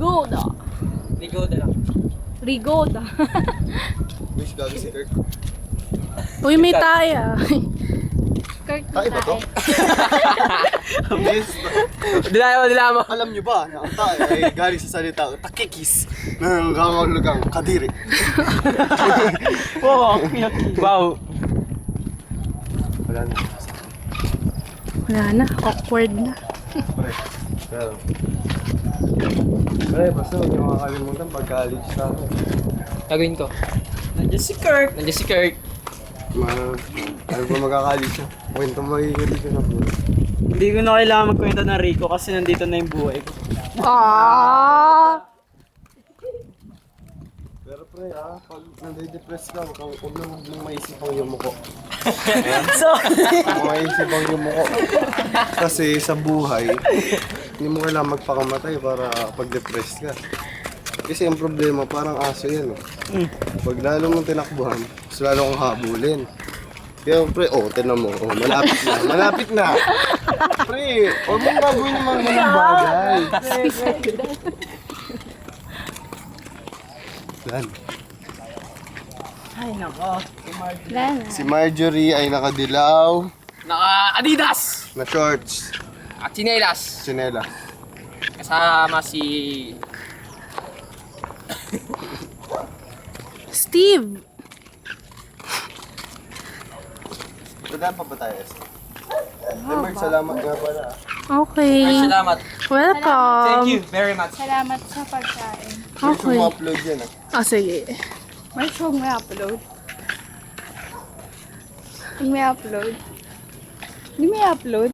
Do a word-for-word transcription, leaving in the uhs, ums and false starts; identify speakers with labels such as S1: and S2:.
S1: Rigoda.
S2: Rigoda lang.
S1: Rigoda.
S3: Wish gago si Kirk.
S1: Uy, may taya. Kirk
S3: Tayo ba to? Yes.
S2: Dilama, dilama.
S3: Alam nyo ba na ang tayo ay galing sa salita takikis na nangangahulugang kadiri.
S2: Oo, wow.
S3: Wala na.
S1: Wala na, awkward na.
S3: Pre. Pero. Pre, basta huwag niyo makakalimutan pag-college sa akin.
S2: Gagawin ko. Nandiyan si Kirk. Nandiyan si Kirk.
S3: Ma, ano ba magkakalit siya? Kwento magiging siya na po.
S4: Hindi ko na kailangan magkwento ng Rico kasi nandito na yung buhay ko.
S1: Ah!
S3: Pero pre ah, pag nade-depress ka, huwag kang huwag na huwag mong maisip ang yumuko.
S4: So,
S3: Huwag mong maisip ang yumuko. Kasi sa buhay, hindi mo kailangan magpakamatay para pag-depress ka. Kasi ang problema, parang aso yan eh. Pag lalo mong tinakbuhan, mas lalo kang habulin. Kaya pre, oh, tinan mo, oh, malapit na, malapit na. Pre, huwag mong gagawin yung mga ganung bagay. Yan.
S4: ay nako.
S1: Wala na.
S3: Si Marjorie ay nakadilaw
S2: Naka Adidas.
S3: na shorts,
S2: At chinelas.
S3: sinela.
S2: Kasama si...
S1: Steve!
S3: Pagdaan pa ba tayo, Esther? Demar, salamat nga pala.
S1: Okay.
S2: Salamat.
S1: Welcome.
S2: Thank you very much.
S5: Salamat sa pagkain.
S3: Gusto
S1: Okay.
S3: mo upload yan ah.
S1: Ah, sige.
S5: May show may upload. Hindi may upload. Hindi may upload.